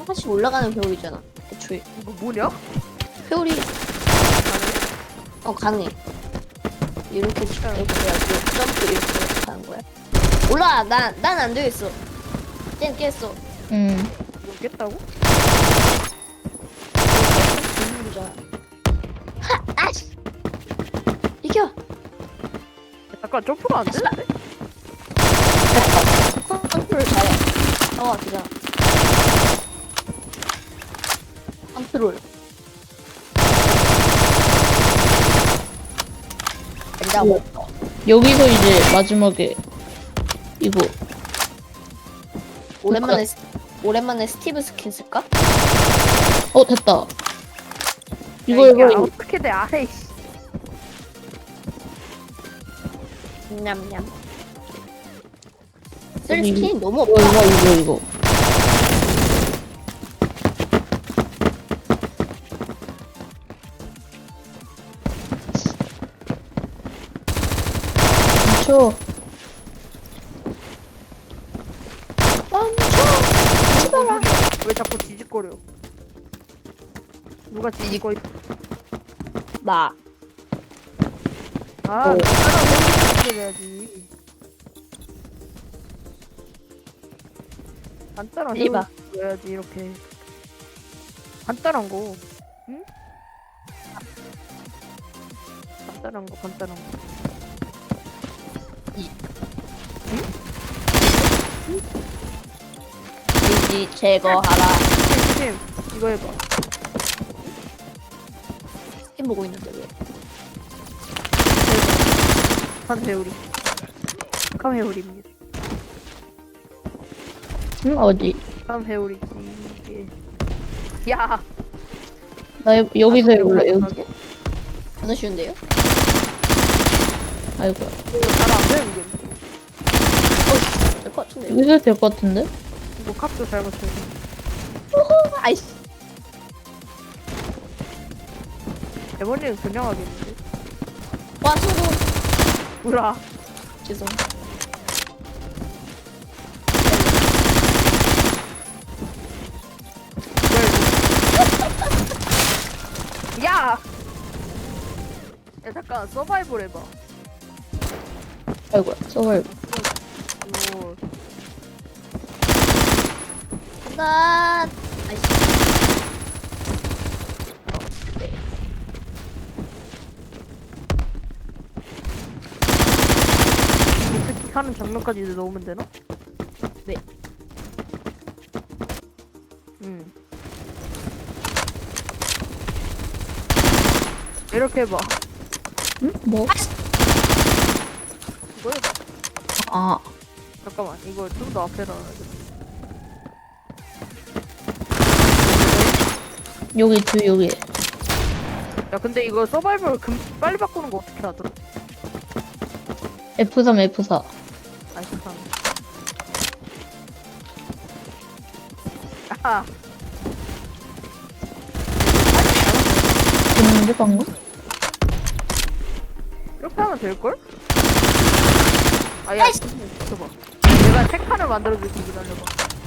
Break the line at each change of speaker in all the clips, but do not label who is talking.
다시 올라가는 회오리잖아. 애초에.
이거 뭐냐?
회오리 가능해. 이렇게 해가지고 점프 이렇게 하는 거야. 올라. 난 안 되겠어. 쟤는 깼어.
모르겠다고?
하! 아씨! 이겨!
잠깐 점프가 안 되는데?
컨트롤 잘해. 되잖아. 컨트롤. 된다고.
여기서 이제 마지막에 이거
오랜만에 스티브 스킨 쓸까?
됐다.
이거
이거
어떻게 돼? 아이씨.
냠냠. 쓸
여기,
스킨이 너무
이거
없다.
이거 멈춰.
멈춰!
왜 자꾸 뒤집거려? 누가 뒤집거?
나.
아,
어.
간단한 해야지. 간단한
이봐.
해야지 이렇게. 간단한 거. 응? 간단한 거.
이지 제거하라.
팀 이거 해봐.
스킨 보고 있는데 왜?
칸회오리. 칸회오리입니다.
응? 어디?
칸회오리지 이게. 야.
나 여기서 해볼래. 여기.
너무 쉬운데요?
아이고야.
잘안 되는 게.
될 것 같은데.
여기서 해도 될 것 같은데?
이거 값도 잘 맞춰야 돼.
아이씨.
대머리는 그냥 하겠는데.
와, 성공.
우라.
죄송.
야! 야 잠깐 서바이벌 해봐.
아이고야. 서바이벌.
이거
나. 아이씨.
어떻게 하는 장면까지 이제 넣으면 되나?
네.
응. 이렇게 해봐.
응? 뭐?
이거 해봐.
아.
잠깐만 이거 좀 더 앞에 놔야겠다.
여기 여기.
야 근데 이거 서바이벌 빨리 바꾸는 거 어떻게 하더라?
F3 F4.
아이 세상. 아하.
됐는데 방금?
이렇게 하면 될걸? 아야 줘봐. 내가 책판을 만들어줄게 기다려봐.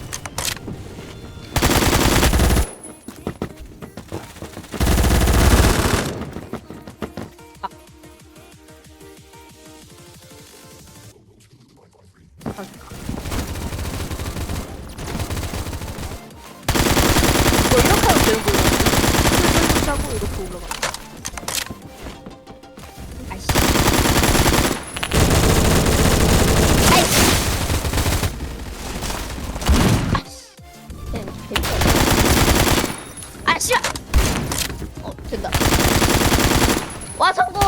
이거 이렇게 하면 되는 거야. 이렇게 하고 이렇게 올라가.
아이씨. 아이씨. 아이씨. 된다. 와, 성공!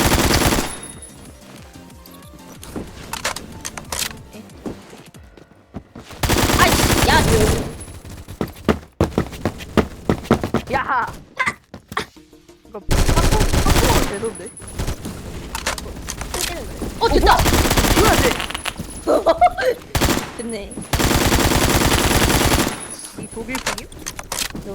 아이씨, 야,
야! 이거 한번 되던데?
됐다!
이거야 돼!
됐네.
이 독일 핑임?
이거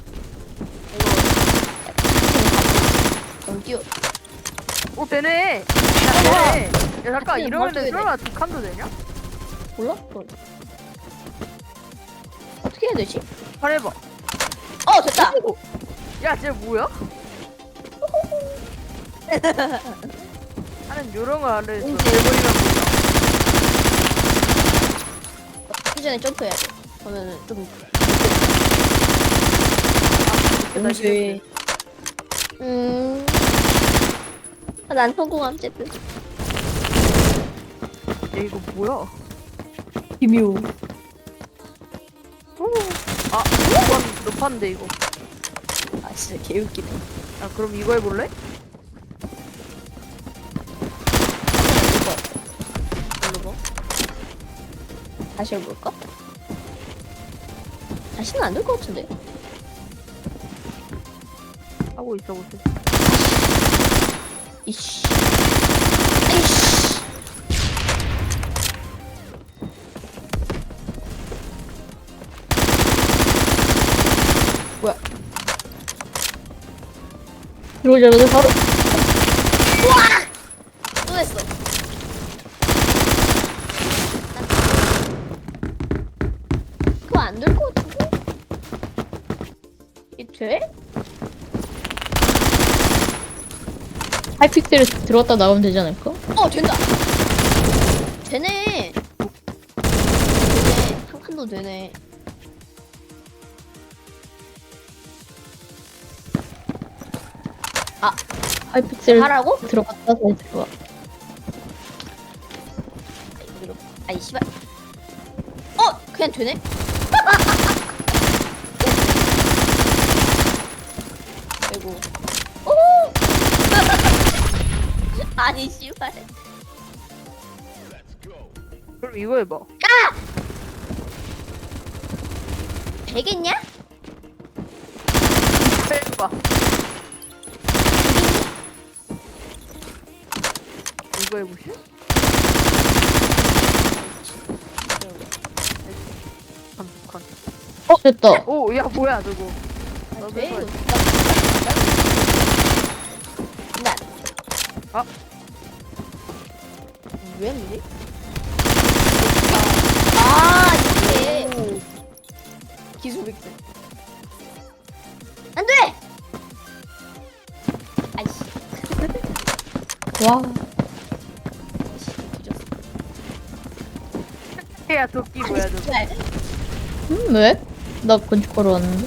너무 뛰어.
오 되네! 야 되네! 야 잠깐
같이
이러면은
맞춰야 돼.
설마 두 칸도 되냐?
몰라? 어떻게? 해야 되지?
잘해봐.
됐다.
야, 쟤 뭐야? 나는 요런 거 알려줘. 대본이랑
하기 전에 점프해야 돼. 그러면은 좀.
뭔지.
난 성공함, 어쨌든.
야, 이거 뭐야?
기묘.
아, 높았는데 이거.
아, 진짜 개웃기네.
아, 그럼 이거 해볼래?
누르고. 다시 해볼까? 다시는 안 될 것 같은데.
하고 있어, 보세.
이씨. 아이씨. 뭐야?
들어오자마자 바로.
또 했어. 그거 안 될 것 같은데? 이게 돼?
하이픽셀에 들어갔다 나오면 되지 않을까?
된다. 되네. 한 칸도 되네.
하이픽셀
하라고?
들어갔다 다시 들어가.
아이 씨발. 그냥 되네. 아이고. 오. 아니 씨발.
그럼 이거 해봐.
되겠냐?
빼봐. 이거 해보실? 칸.
됐다.
오, 야, 뭐야, 저거. 나도
돼?
해봐야지.
난.
아.
왜 뭐지? 이게 기술 빅스. 안 돼! 아이씨.
와.
뒤졌어.
야, 도끼 뭐야, 저거.
씨발.
왜? 나 건축하러 왔는데.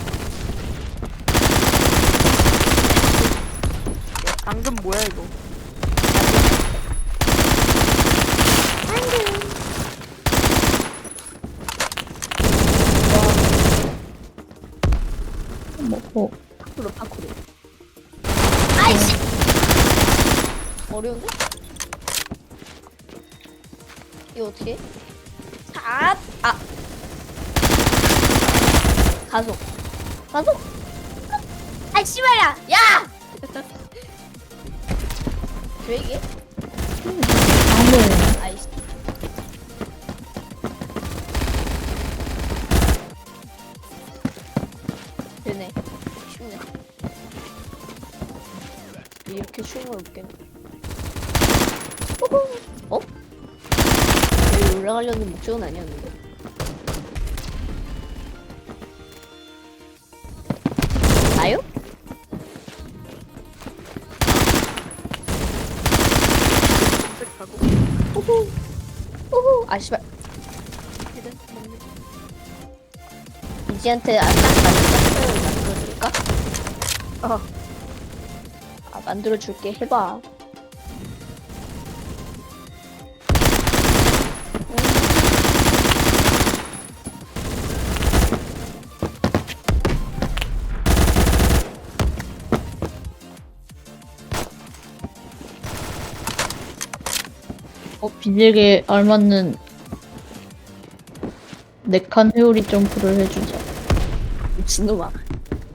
야, 방금 뭐야, 이거.
먹고.
파쿠르. 아이씨! 어려운데? 이거 어떻게 해? 가속. 아이 씨발야! 야! 왜 이게?
다음에
아이씨. 되네. 쉽네. 이렇게 쉬운 걸 못겠네. 여기 올라가려는 목적은 아니었는데. 나요?
검색하고.
아 씨발. 이지한테 딱 맞는 만들어줄까? 만들어줄게. 해봐.
비질에 알맞는 4칸 회오리 점프를 해주자.
미친놈아. 돼?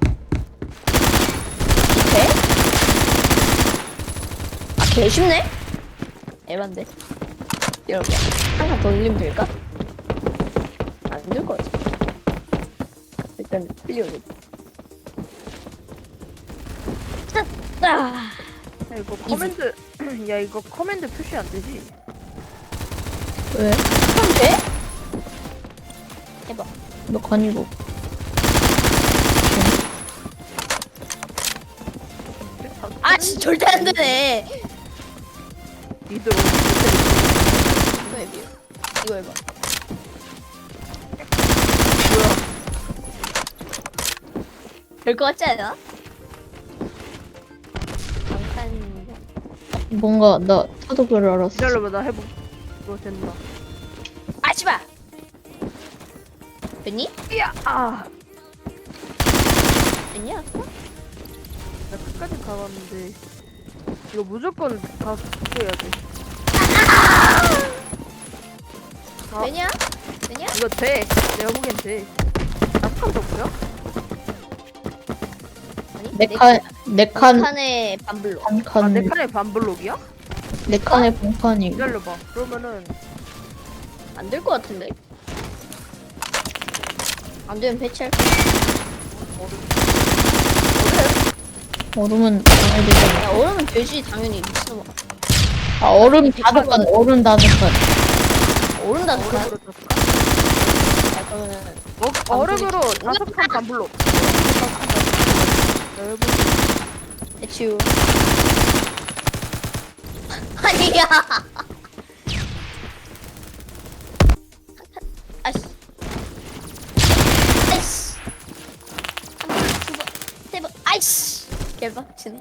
개 쉽네? 에반데. 이렇게 하나 더 올리면 될까? 안 될 것 같아. 일단 클리어를. 아,
야, 이거 커맨드, 야, 이거 커맨드 표시 안 되지?
왜?
그럼 돼? 해봐.
몇 칸이고.
씨, 절대 안 되네.
니들
이거 해봐. 이거 해봐.
뭐야?
될 것 같지 않아? 잠깐.
뭔가 나 타독을 알았어.
기다려봐 나 해보. 이거 된다.
아, 씨발. 됐니?
야, 아,
됐니? 아까?
나 끝까지 가봤는데 이거 무조건 다 해야 돼. 아.
되냐? 되냐?
이거 돼. 내가 보기엔 돼. 아까도 뭐야?
아니?
네 칸
칸의 반블로.
아, 내
칸
칸에 반블록이야?
네 칸의 본칸이.
기다려봐. 그러면은
안 될 것 같은데? 안 되면 배치할 거야.
얼음은 당연히 되잖아.
야, 얼음은 되지, 당연히. 미친놈아.
아 얼음 5칸, 얼음 5칸.
얼음 다섯 칸?
얼음으로 떴어.
아, 그러면은.
얼음으로 5칸 반블록.
배치우. 아니야! 아이씨. 아이씨. 한 번, 두 번, 세 번, 아이씨. 개빡치네.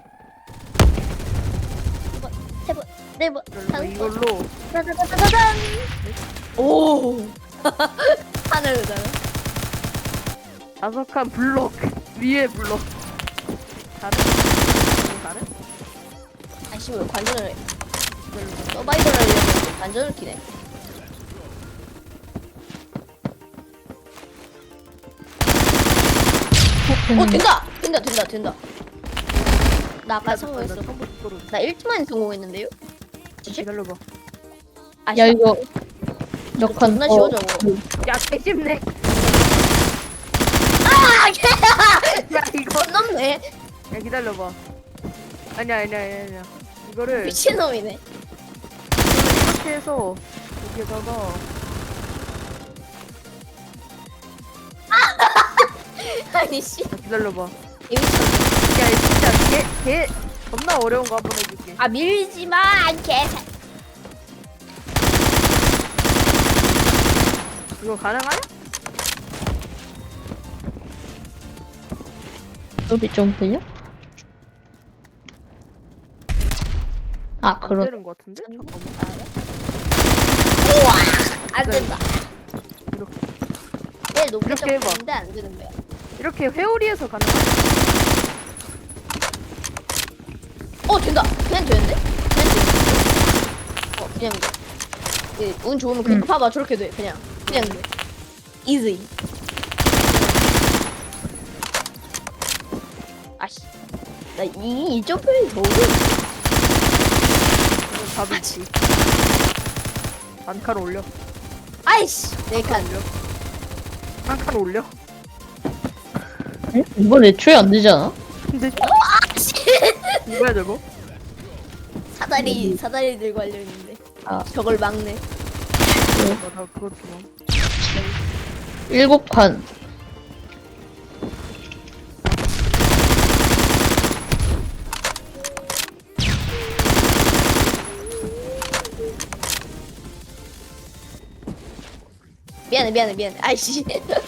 두 번, 세 번, 네 번, 다섯 번.
이걸로
짜자자자잔! 오! 하늘을 달아.
5칸 블록 위에 블록. 다른? 다른?
아이씨, 왜 관전을 해? 서바이벌 하려고 관전을 키네. 된다! 된다. 나 아까 성공했어. 나 1초만에 성공했는데요?
기다려봐.
아,
야 이거 몇 칸?
존나 쉬워, 저거.
야, 개쉽네.
아!
야, 이거.
건 넘네.
야, 기다려봐. 아니야. 이거를
미친놈이네.
이렇게 해서 여기에다가
아니, 씨.
야, 기다려봐.
이미
야, 이거 진짜 개 겁나 어려운 거 한번 해줄게.
아, 밀지 마, 개새.
이거 가능하냐?
소리 좀 들려? 아
안
그런.
되는 거 같은데? 잠깐만.
우와! 안 된다.
이렇게.
내 높이
이렇게 해봐.
잡혔는데 안 되는 거야.
이렇게 회오리에서 가능하냐?
된다. 그냥 되는데? 그냥 돼. 운 좋으면 그냥 봐봐, 저렇게 돼. 그냥 돼. 이지. 아씨. 나 이 점프이 더 어려워.
이건 답이지. 한 칸 올려.
아이씨. 네 칸.
한 칸 올려.
응? 이번 애초에 안 되잖아.
근데
아씨.
이거야 저거?
사다리 들고 하려 했는데.
아.
저걸 막네.
나 그거 좀.
7칸.
미안해. 아이씨.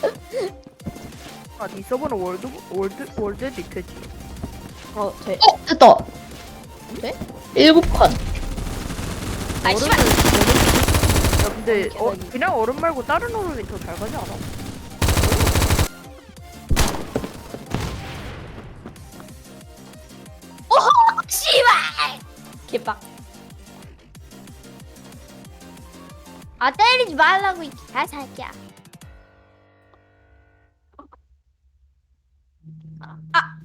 아, 네 서버는 월드 리트지.
돼.
됐다.
돼?
7칸.
아이씨.
야, 근데 그냥 얼음 말고 다른 얼음이 더 잘 가지 않아?
씨발! 개빡. 아, 때리지 말라고, 이 개새끼야.